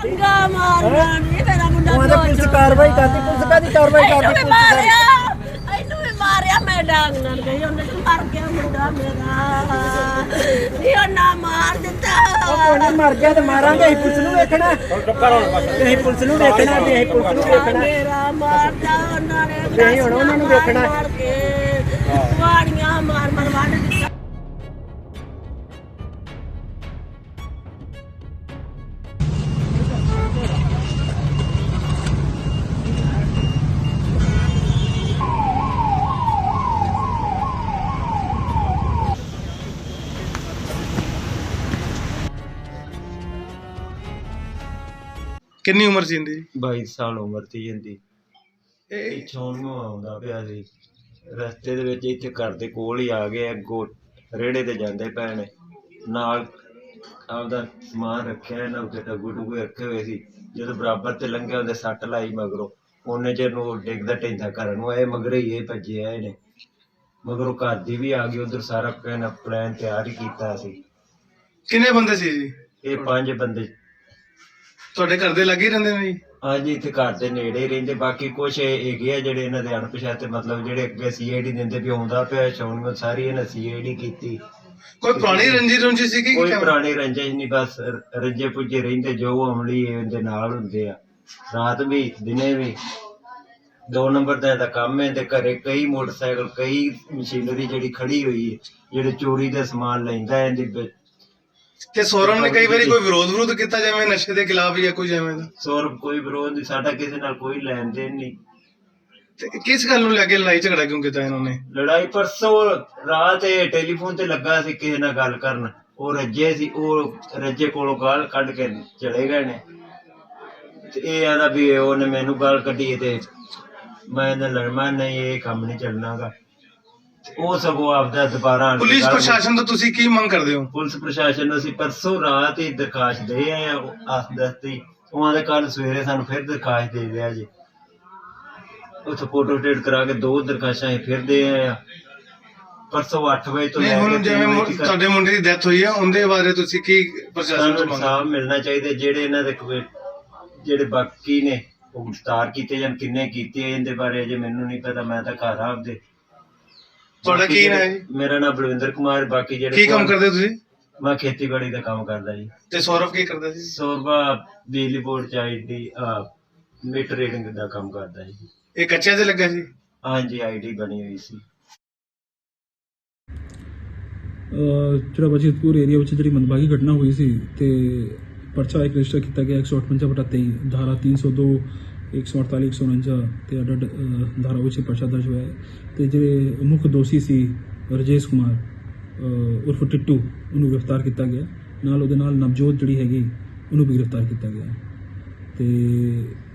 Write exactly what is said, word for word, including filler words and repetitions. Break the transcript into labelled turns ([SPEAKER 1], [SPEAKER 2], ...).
[SPEAKER 1] ਗਾ ਮਾਰਨਾ ਨਹੀਂ ਮੇਰਾ ਮੁੰਡਾ
[SPEAKER 2] ਉਹਦੇ ਪੁਲਿਸ ਕਾਰਵਾਈ ਕਰਦੀ ਪੁਲਿਸ ਕਾਦੀ ਕਾਰਵਾਈ ਕਰਦੀ ਪੁਲਿਸ
[SPEAKER 1] ਮਾਰਿਆ ਇਹਨੂੰ ਵੀ ਮਾਰਿਆ ਮੈਂ ਡਾਂਗ ਨਾਲ ਗਈ ਉਹਨੇ ਮਰ ਗਿਆ ਮੁੰਡਾ ਮੇਰਾ ਨਹੀਂ ਉਹਨਾਂ ਮਾਰ ਦਿੱਤਾ
[SPEAKER 2] ਉਹਨੇ ਮਰ ਗਿਆ ਤੇ ਮਾਰਾਂਗੇ ਅਸੀਂ ਪੁਲਿਸ ਨੂੰ ਵੇਖਣਾ ਅਸੀਂ ਪੁਲਿਸ ਨੂੰ ਵੇਖਣਾ ਤੇ ਅਸੀਂ ਪੁਲਿਸ ਨੂੰ ਵੇਖਣਾ
[SPEAKER 1] ਮੇਰਾ ਮਾਰਦਾ ਉਹਨਾਂ ਨੇ
[SPEAKER 2] ਅਸੀਂ ਹੁਣ ਉਹਨਾਂ ਨੂੰ ਵੇਖਣਾ
[SPEAKER 1] ਮਾਰ ਕੇ ਵਾੜੀਆਂ ਮਾਰ ਮਾਰ ਵੱਢ ਦਿੱਤਾ
[SPEAKER 3] ਕਿੰਨੀ ਉਮਰ ਸੀ ਇਹਦੀ?
[SPEAKER 4] ਬਾਈ ਸਾਲ ਉਮਰ ਸੀ ਇਹਦੀ। ਪਿੱਛੋਂ ਨੂੰ ਆਉਂਦਾ ਪਿਆ ਸੀ ਰਸਤੇ ਦੇ ਵਿੱਚ, ਇੱਥੇ ਘਰ ਦੇ ਕੋਲ ਹੀ ਆ ਗਏ, ਅੱਗੋਂ ਰੇੜੇ ਤੇ ਜਾਂਦੇ ਪਏ ਨੇ, ਨਾਲ ਆਪਦਾ ਸਮਾਨ ਰੱਖਿਆ ਇਹਨਾਂ ਉੱਤੇ ਟੱਗੂ ਟੁੱਗੂ ਰੱਖੇ ਹੋਏ ਸੀ। ਜਦੋਂ ਬਰਾਬਰ ਤੇ ਲੰਘਿਆ ਉਹਦੇ ਸੱਟ ਲਾਈ ਮਗਰੋਂ, ਉਹਨੇ ਚਿਰ ਨੂੰ ਡਿੱਗਦਾ ਢਹਿੰਦਾ ਘਰ ਨੂੰ ਆਏ, ਮਗਰੇ ਹੀ ਇਹ ਭੱਜੇ ਆਏ ਨੇ। ਮਗਰੋਂ ਘਰ ਦੀ ਵੀ ਆ ਗਈ, ਉਧਰ ਸਾਰਾ ਪਲਾਨ ਪਲਾਨ ਤਿਆਰ ਹੀ ਕੀਤਾ ਸੀ।
[SPEAKER 3] ਕਿੰਨੇ ਬੰਦੇ ਸੀ ਜੀ?
[SPEAKER 4] ਇਹ ਪੰਜ ਬੰਦੇ
[SPEAKER 3] ਤੁਹਾਡੇ ਘਰ ਦੇ ਲੱਗੇ ਹੀ ਰਹਿੰਦੇ ਨੇ ਜੀ?
[SPEAKER 4] ਹਾਂਜੀ, ਇੱਥੇ ਘਰ ਦੇ ਨੇੜੇ ਹੀ ਰਹਿੰਦੇ। ਬਾਕੀ ਕੁਛ ਹੈਗੇ ਆ ਜਿਹੜੇ ਇਹਨਾਂ ਦੇ ਅਣਪਛਾਤੇ, ਮਤਲਬ ਜਿਹੜੇ ਅੱਗੇ ਸੀ ਆਈ ਡੀ ਦਿੰਦੇ ਵੀ ਆਉਂਦਾ ਪਿਆ ਸ਼ੌਂਕ, ਸਾਰੀ ਇਹਨਾਂ ਸੀ ਆਈ ਡੀ ਕੀਤੀ।
[SPEAKER 3] ਕੋਈ ਪੁਰਾਣੀ ਰੰਜੀ ਰੰਜੀ ਸੀ ਕਿ
[SPEAKER 4] ਕੋਈ ਪੁਰਾਣੀ ਰੰਜਿਸ਼ ਨਹੀਂ, ਬਸ ਰੱਜੇ ਪੁੱਜੇ ਰਹਿੰਦੇ ਜੋ ਅਮਲੀ ਇਹਦੇ ਨਾਲ ਹੁੰਦੇ ਆ। ਰਾਤ ਵੀ ਦਿਨੇ ਵੀ ਦੋ ਨੰਬਰ ਦਾ ਇਹਦਾ ਕੰਮ ਹੈ। ਤੇ ਘਰੇ ਕਈ ਮੋਟਰਸਾਈਕਲ, ਕਈ ਮਸ਼ੀਨਰੀ ਜਿਹੜੀ ਖੜੀ ਹੋਈ ਹੈ, ਜਿਹੜੇ ਚੋਰੀ ਦਾ ਸਮਾਨ ਲੈਂਦਾ ਇਹਦੀ।
[SPEAKER 3] ਤੇ ਸੌਰਵ ਨੇ ਕਈ ਵਾਰੀ ਕੋਈ ਵਿਰੋਧ ਵਿਰੋਧ ਕੀਤਾ ਜਿਵੇਂ ਨਸ਼ੇ ਦੇ ਖਿਲਾਫ ਜਾਂ ਕੋਈ ਜਿਵੇਂ ਦਾ?
[SPEAKER 4] ਸੌਰਵ ਕੋਈ ਵਿਰੋਧ ਨਹੀਂ, ਸਾਡਾ ਕਿਸੇ ਨਾਲ ਕੋਈ ਲੈਣ ਦੇਣ ਨਹੀਂ।
[SPEAKER 3] ਤੇ ਕਿਸ ਗੱਲ ਨੂੰ ਲੈ ਕੇ ਲੜਾਈ ਝਗੜਾ ਕਿਉਂ ਕੀਤਾ ਇਹਨਾਂ ਨੇ?
[SPEAKER 4] ਲੜਾਈ ਪਰਸੋਂ ਰਾਤ ਇਹ ਟੈਲੀਫੋਨ ਤੇ ਲੱਗਾ ਸੀ ਕਿਸੇ ਨਾਲ ਗੱਲ ਕਰਨ, ਉਹ ਰੱਜੇ ਸੀ, ਉਹ ਰੱਜੇ ਕੋਲੋਂ ਗਾਲ ਕੱਢ ਕੇ ਚਲੇ ਗਏ ਨੇ। ਤੇ ਇਹ ਆਦਾ ਵੀ ਉਹਨੇ ਮੈਨੂੰ ਗਾਲ ਕੱਢੀ ਤੇ ਮੈਂ ਇਹਨਾਂ ਲੜਨਾ ਨਹੀਂ, ਇਹ ਕੰਮ ਨਹੀਂ ਚੱਲਣਾਗਾ। ਉਹ ਸਗੋਂ ਆਪਦਾ ਦੁਬਾਰਾ
[SPEAKER 3] ਪੁਲਿਸ ਪ੍ਰਸ਼ਾਸਨ ਤੋਂ ਤੁਸੀਂ ਕੀ ਮੰਗ ਕਰਦੇ ਹੋ?
[SPEAKER 4] ਪੁਲਿਸ ਪ੍ਰਸ਼ਾਸਨ ਨੂੰ ਅਸੀਂ ਪਰਸੋਂ ਰਾਤ ਹੀ ਦਰਖਾਸਤ ਦੇ ਆਏ ਆ, ਆਸ ਦਸਤੀ ਉਹਨਾਂ ਦੇ ਕੱਲ ਸਵੇਰੇ ਸਾਨੂੰ ਫਿਰ ਦਰਖਾਸਤ ਦੇ ਦਿਆ ਜੀ। ਉੱਥੇ ਫੋਟੋ ਸਟੇਟ ਕਰਾ ਕੇ ਦੋ ਦਰਖਾਸਤਾਂ ਅਸੀਂ ਫਿਰ ਦੇ ਆਏ ਆ ਪਰਸੋਂ ਅੱਠ ਵਜੇ ਤੋਂ।
[SPEAKER 3] ਹੁਣ ਜਿਵੇਂ ਤੁਹਾਡੇ ਮੁੰਡੇ ਦੀ ਡੈਥ ਹੋਈ ਆ, ਉਹਦੇ ਬਾਰੇ ਤੁਸੀਂ ਕੀ ਪ੍ਰਸ਼ਾਸਨ ਤੋਂ ਮੰਗ?
[SPEAKER 4] ਇਨਸਾਫ ਮਿਲਣਾ ਚਾਹੀਦਾ। ਜਿਹੜੇ ਇਹਨਾਂ ਦੇ ਜਿਹੜੇ ਬਾਕੀ ਨੇ ਉਹ ਗ੍ਰਿਫਤਾਰ ਕੀਤੇ ਜਾਂ ਕਿੰਨੇ ਕੀਤੇ ਇਹਦੇ ਬਾਰੇ ਅਜੇ ਮੈਨੂੰ ਨਹੀਂ ਪਤਾ, ਮੈਂ ਤਾਂ ਘਰ ਆ ਆਪਦੇ।
[SPEAKER 3] ਤੁਹਾਡਾ ਕੀ ਨਾਮ ਹੈ ਜੀ?
[SPEAKER 4] ਮੇਰਾ ਨਾਮ ਬਲਵਿੰਦਰ ਕੁਮਾਰ। ਬਾਕੀ ਜਿਹੜੇ
[SPEAKER 3] ਕੀ ਕੰਮ ਕਰਦੇ ਤੁਸੀਂ?
[SPEAKER 4] ਮੈਂ ਖੇਤੀਬਾੜੀ ਦਾ ਕੰਮ ਕਰਦਾ ਜੀ।
[SPEAKER 3] ਤੇ ਸੌਰਵ ਕੀ ਕਰਦਾ ਸੀ?
[SPEAKER 4] ਸੌਰਵਾ ਬਿਜਲੀ ਬੋਰਡ ਚ ਆਈ ਡੀ ਮੀਟਰ ਰੀਡਿੰਗ ਦਾ ਕੰਮ ਕਰਦਾ ਜੀ।
[SPEAKER 3] ਇਹ ਕੱਚਿਆਂ ਤੇ ਲੱਗਾ ਸੀ?
[SPEAKER 4] ਹਾਂਜੀ, ਆਈ ਡੀ ਬਣੀ ਹੋਈ ਸੀ।
[SPEAKER 5] ਜਿਹੜਾ ਬਜੀਤਪੁਰ ਏਰੀਆ ਵਿੱਚ ਜਿਹੜੀ ਮੰਦਭਾਗੀ ਘਟਨਾ ਹੋਈ ਸੀ ਤੇ ਪਰਚਾ ਇੱਕ ਰਜਿਸਟਰ ਕੀਤਾ ਗਿਆ ਇੱਕ ਸੌ ਅਠਵੰਜਾ ਬਟਾ ਤੇਈ ਧਾਰਾ ਤਿੰਨ ਸੌ ਦੋ ਇੱਕ ਸੌ ਅੜਤਾਲੀ ਇੱਕ ਸੌ ਉਣੰਜਾ ਤੇ ਅੱਡ ਧਾਰਾ ਵਿੱਚ ਪਰਚਾ ਦਰਜ ਹੋਇਆ ਤੇ ਜਿਹੜੇ ਮੁੱਖ ਦੋਸ਼ੀ ਸੀ ਰਜੇਸ਼ ਕੁਮਾਰ ਉਰਫ ਟਿੱਟੂ, ਉਹਨੂੰ ਗ੍ਰਿਫਤਾਰ ਕੀਤਾ ਗਿਆ। ਨਾਲ ਉਹਦੇ ਨਾਲ ਨਵਜੋਤ ਜਿਹੜੀ ਹੈਗੀ ਉਹਨੂੰ ਵੀ ਗ੍ਰਿਫਤਾਰ ਕੀਤਾ ਗਿਆ ਤੇ